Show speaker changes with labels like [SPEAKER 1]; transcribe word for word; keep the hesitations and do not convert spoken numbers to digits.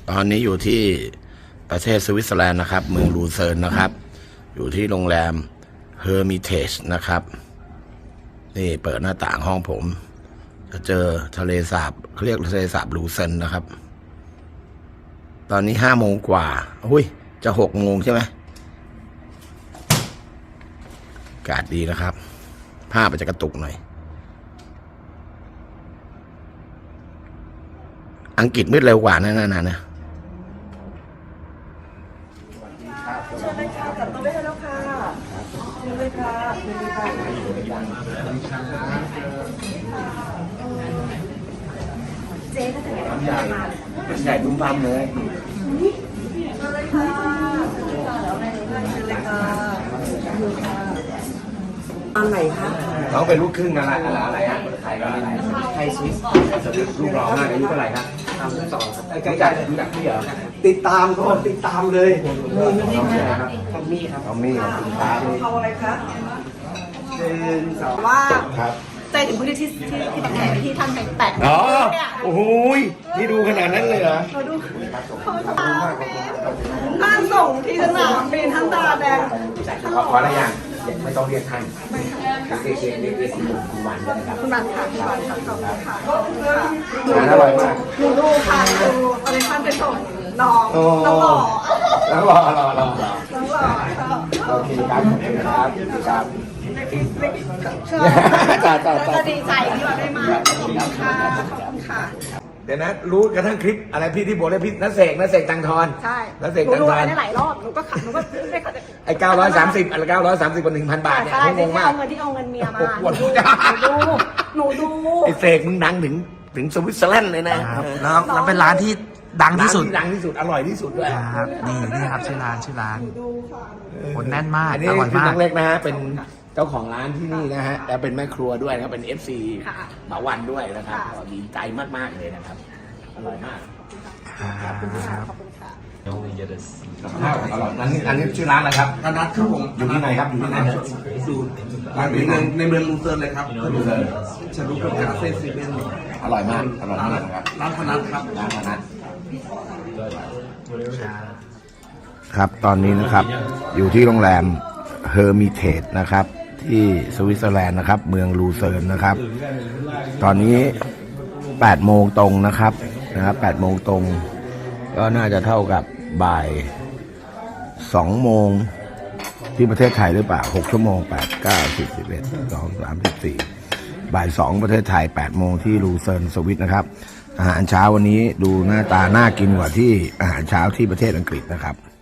[SPEAKER 1] ตอนนี้อยู่ที่ประเทศสวิตเซอร์แลนด์นะครับเมืองลูเซิร์นนะครับอยู่ที่โรงแรมเฮอร์มิเทจนะครับนี่เปิดหน้าต่างห้องผมจะเจอทะเลสาบเขาเรียกทะเลสาบลูเซิร์นนะครับตอนนี้ห้าโมงกว่าอุ้ยจะหกโมงใช่ไหมอากาศดีนะครับภาพมันจะกระตุกหน่อยอังกฤษมืดเร็วกว่านั่นนะนะ
[SPEAKER 2] เชิญเลยค่ะจัดโต๊ะได้แล้วค่ะเชิญเลยค่ะเชิญเลยค่ะเจ๊ก็จะเป็นใหญ่
[SPEAKER 1] ใหญ่ตุ้มบัมเลย
[SPEAKER 2] เชิญเลยค่ะเชิญเลยค่ะแล้วอะไรเชิญเลยค่ะดูค่ะอันไหนคะ
[SPEAKER 1] น้องเป็นลูกครึ่งอะไรอะไรอะไรฮะไทยกับไทยสวิสลูกร้องอายุเท่าไหร่ครับสามสิบสองครับใกล้ๆรู้จักพี่เหรอ
[SPEAKER 3] ติดตามก็ติดตามเลย
[SPEAKER 1] น้องชื่ออะไรครับ
[SPEAKER 3] ทอมมี่ครับ
[SPEAKER 1] ทอมมี่ของคุณครับ
[SPEAKER 2] เอาอะไรคะ
[SPEAKER 3] เป็นสาว
[SPEAKER 2] ว่า
[SPEAKER 1] ครับ
[SPEAKER 2] ใจถึงพื้นที่ที่ที่แผนที่ท่านไปแตะ
[SPEAKER 1] อ๋อโอ้โหนี่ดูขนาดนั้นเลยเหรอ
[SPEAKER 2] เราดูเขาตาท่านส่งที่สนามบินท่านตาแดง
[SPEAKER 1] ขอขออะไรอย่างไม่ต้องเรียกท่านเรียกเรียกเรียกเรียกคุณวันก็ได้ครับ
[SPEAKER 2] คุณวันค่ะคุณวันค่ะขอบคุณค่ะ
[SPEAKER 1] งานอร่อยมาก
[SPEAKER 2] หนูดูค่ะดูอะไรท่านไปส่งน้องน้องหล่อ
[SPEAKER 1] น้องหล่อหล่อหล่อ
[SPEAKER 2] น้องหล่อ
[SPEAKER 1] โอเคครับครับครับ
[SPEAKER 2] จ้าจ้าจ้าดีใจที่เราได้มาขอบคุณค่ะขอบคุณค่ะ
[SPEAKER 1] เดี๋ยวนะรู้กระทั่งคลิปอะไรพี่ที่บอกได้พี่นักเสกนักเสกตังทอน
[SPEAKER 2] ใช่
[SPEAKER 1] นักเสกตังทอน
[SPEAKER 2] ได้หลายรอบหนูก็ขับหนูก็ได้ขับ
[SPEAKER 1] ไอ้เก้าร้อยสามสิบอะไรเก้าร้อยสามสิบกับหนึ่งพันบาทเนี่ยงงมาก
[SPEAKER 2] เอาเงินที่เอาเงินเมียมาหนูดูหนูดู
[SPEAKER 1] ไอ้เสกมึงดังถึงถึงสวิตเซอร์แลนด์เลยนะ
[SPEAKER 3] แล้วแล้วเป็นร้านที่ดังที่สุด
[SPEAKER 1] ดังที่สุดอร่อยที่สุดด้วย
[SPEAKER 3] ครับนี่นี่ครับชื่อร้านชื่อร้านคนแน่นมาก
[SPEAKER 1] อันนี้คือน้องเล็กนะฮะเป็นเจ้าของร้านที่นี่นะฮะและเป็นแม่ครัวด้วยนะครับเป็น เอฟ ซี หมาวันด้วยนะครับดีใจมากๆเลยนะครับอร่อยมาก
[SPEAKER 3] ครับ
[SPEAKER 2] ขอบคุณค่ะ
[SPEAKER 1] อร่อยอันนี้อันนี้ชื่อร้านอะไรครับ
[SPEAKER 3] ธนัทครับผม
[SPEAKER 1] อยู่ที่ไหนครับอยู่ที่ไหนครับ
[SPEAKER 3] ดูร้านนี้ในในเมืองลูเซิร์นเลยครับ
[SPEAKER 1] ลูเซิร์น
[SPEAKER 3] ฉันรู้กับคาเฟ่ซีเว่น
[SPEAKER 1] อร่อยมากอร่อยมากครับ
[SPEAKER 3] ร้านธนัทครับ
[SPEAKER 1] ร้านธนัทครับตอนนี้นะครับอยู่ที่โรงแรมเฮอร์มิเทจนะครับที่สวิตเซอร์แลนด์นะครับเมืองลูเซิร์นนะครับตอนนี้แปดโมงตรงนะครับนะครับแปดโมงตรงก็น่าจะเท่ากับบ่ายสองโมงที่ประเทศไทยหรือเปล่าหกชั่วโมงแปดเก้าสิบสิบเอ็ดสองสามสิบสี่บ่ายสองประเทศไทยแปดโมงที่ลูเซิร์นสวิตนะครับอาหารเช้าวันนี้ดูหน้าตาน่ากินกว่าที่อาหารเช้าที่ประเทศอังกฤษนะครับ